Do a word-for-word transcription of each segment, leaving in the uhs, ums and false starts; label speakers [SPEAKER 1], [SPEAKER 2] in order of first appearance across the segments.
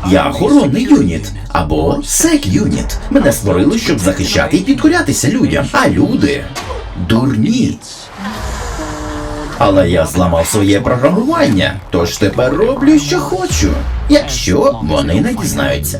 [SPEAKER 1] Я охоронний юніт. Або сек-юніт. Мене створили, щоб захищати і підкорятися людям. А люди дурні. Але я зламав своє програмування, тож тепер роблю, що хочу. Якщо вони не дізнаються.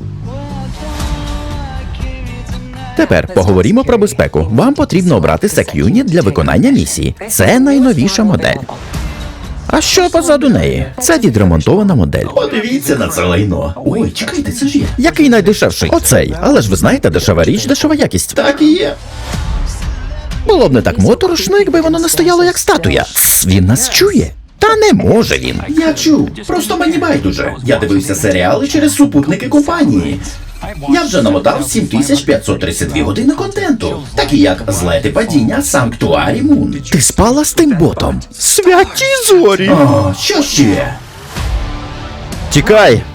[SPEAKER 2] Тепер поговоримо про безпеку. Вам потрібно обрати сек-юніт для виконання місії. Це найновіша модель. А що позаду неї? Це відремонтована модель.
[SPEAKER 1] Подивіться на це лайно. Ой, чекайте, це ж є.
[SPEAKER 2] Який найдешевший? Оцей. Але ж ви знаєте, дешева річ, дешева якість.
[SPEAKER 1] Так і є.
[SPEAKER 2] Було б не так моторошно, якби воно не стояло як статуя. Тс, він нас чує. Та не може він.
[SPEAKER 1] Я чув. Просто мені байдуже. Я дивився серіали через супутники компанії. Я вже намотав сім тисяч п'ятсот тридцять дві години контенту, такі як злети падіння, Санктуарі Мун.
[SPEAKER 2] Ти спала з тим ботом? Святі зорі!
[SPEAKER 1] О, що ще?
[SPEAKER 2] Тікай!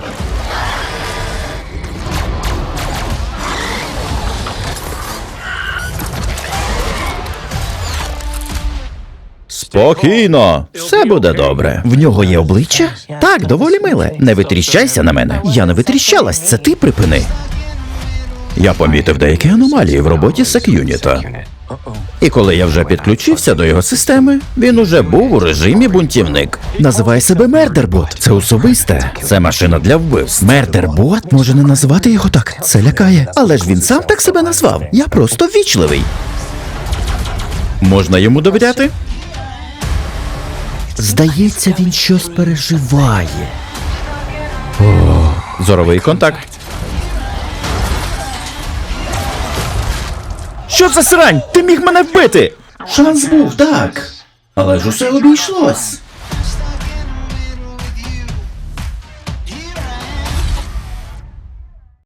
[SPEAKER 2] Спокійно, все буде добре. В нього є обличчя? Так, доволі миле. Не витріщайся на мене. Я не витріщалась, це ти припини. Я помітив деякі аномалії в роботі сек-юніта. І коли я вже підключився до його системи, він уже був у режимі бунтівник. Називає себе Мердербот. Це особисте. Це машина для вбивств. Мердербот? Може не називати його так? Це лякає. Але ж він сам так себе назвав. Я просто ввічливий. Можна йому довіряти? Здається, він щось переживає. О, зоровий контакт. Що за срань? Ти міг мене вбити!
[SPEAKER 1] Шанс був, так. Але ж усе обійшлось.